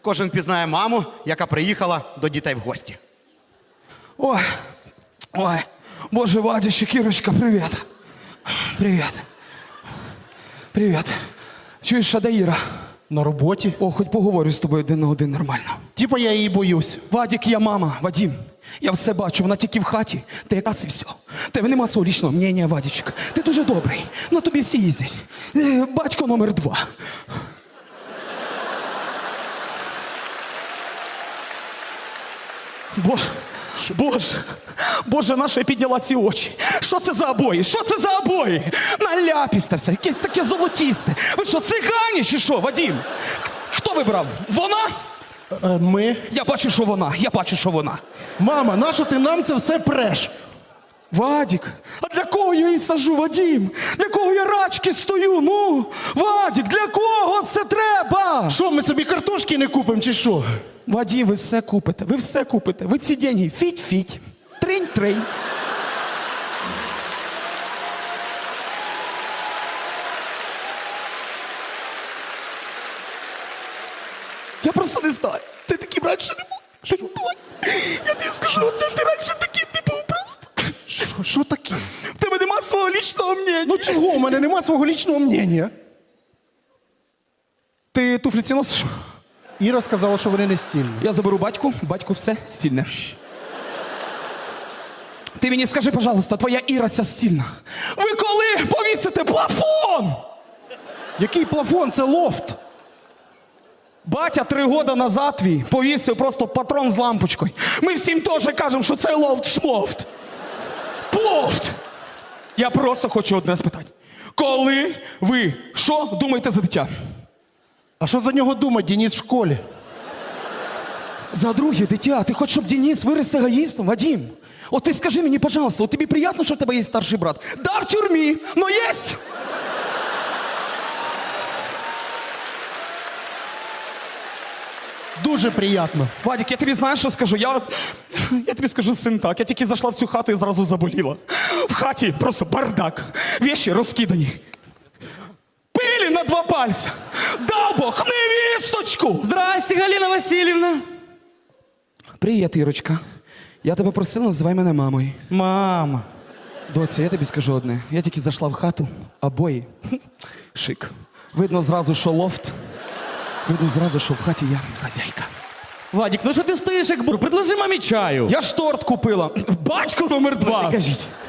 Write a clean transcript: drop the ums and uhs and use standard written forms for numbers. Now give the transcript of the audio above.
Кожен пізнає маму, яка приїхала до дітей в гості. Ой, ой, боже, Вадичек, Кірочка, привіт. Привіт. Привіт. Чуєш, а де Іра? На роботі. О, хоч поговорю з тобою один на один нормально. Типа я її боюсь. Вадик, я мама, Вадим. Я все бачу, вона тільки в хаті. Ти якраз і все. Тебе нема свого лічного мнення, Вадичек. Ти дуже добрий. На тобі всі їздять. Батько номер 2. Боже, наша я підняла ці очі. Що це за обої? Що це за обої? Наляпісте все, якесь таке золотісте. Ви що, цигані чи що, Вадим? Хто вибрав? Вона? Ми. Я бачу, що вона. Мама, нащо ти нам це все преш? Вадик, а для кого я її сажу, Вадим? Для кого я рачки стою? Ну, Вадик, для кого це треба? Що, ми собі картошки не купимо чи що? Вадим, ви все купите. Ви ці деньги фіть-фіть, тринь-тринь. Я просто не знаю. Ти таким раніше не був. Я тобі скажу, ти раніше таким не був просто. Що таке? В тебе нема свого лічного мнення. Ну чого, у мене нема свого лічного мнення. Ти туфлі ці носиш? Іра сказала, що вони не стильні. Я заберу батьку все стільне. Ти мені скажи, пожалуйста, твоя Іра ця стільна. Ви коли повісите плафон? Який плафон? Це лофт. Батя 3 роки назад твій повісив просто патрон з лампочкою. Ми всім теж кажемо, що це лофт-шмофт. Плофт! Я просто хочу одне спитати. Коли ви що думаєте за дитя? А що за нього думать, Денис в школі? За друге дитя. Ти хочеш, щоб Денис виріс егоїстом, Вадим? От ти скажи мені, пожалуйста, от тобі приємно, що в тебе є старший брат? Да, в тюрмі, но єсть! Дуже приємно. Вадик, я тобі знаєш, що скажу? Я тобі скажу, син, так. Я тільки зайшла в цю хату і зразу заболіла. В хаті просто бардак. Вещі розкидані. Пилі на 2 пальця. Дав Бог невісточку! Здрасте, Галина Васильівна. Привіт, Ірочка. Я тебе просила, називай мене мамою. Мама. Доця, я тобі скажу одне. Я тільки зайшла в хату, обої. Шик. Видно зразу, що лофт. Видно зразу, що в хаті я хазяйка. Вадик, ну що ти стоїш як бур? Предложи мамі чаю. Я ж торт купила. Батько номер 2. Кажіть.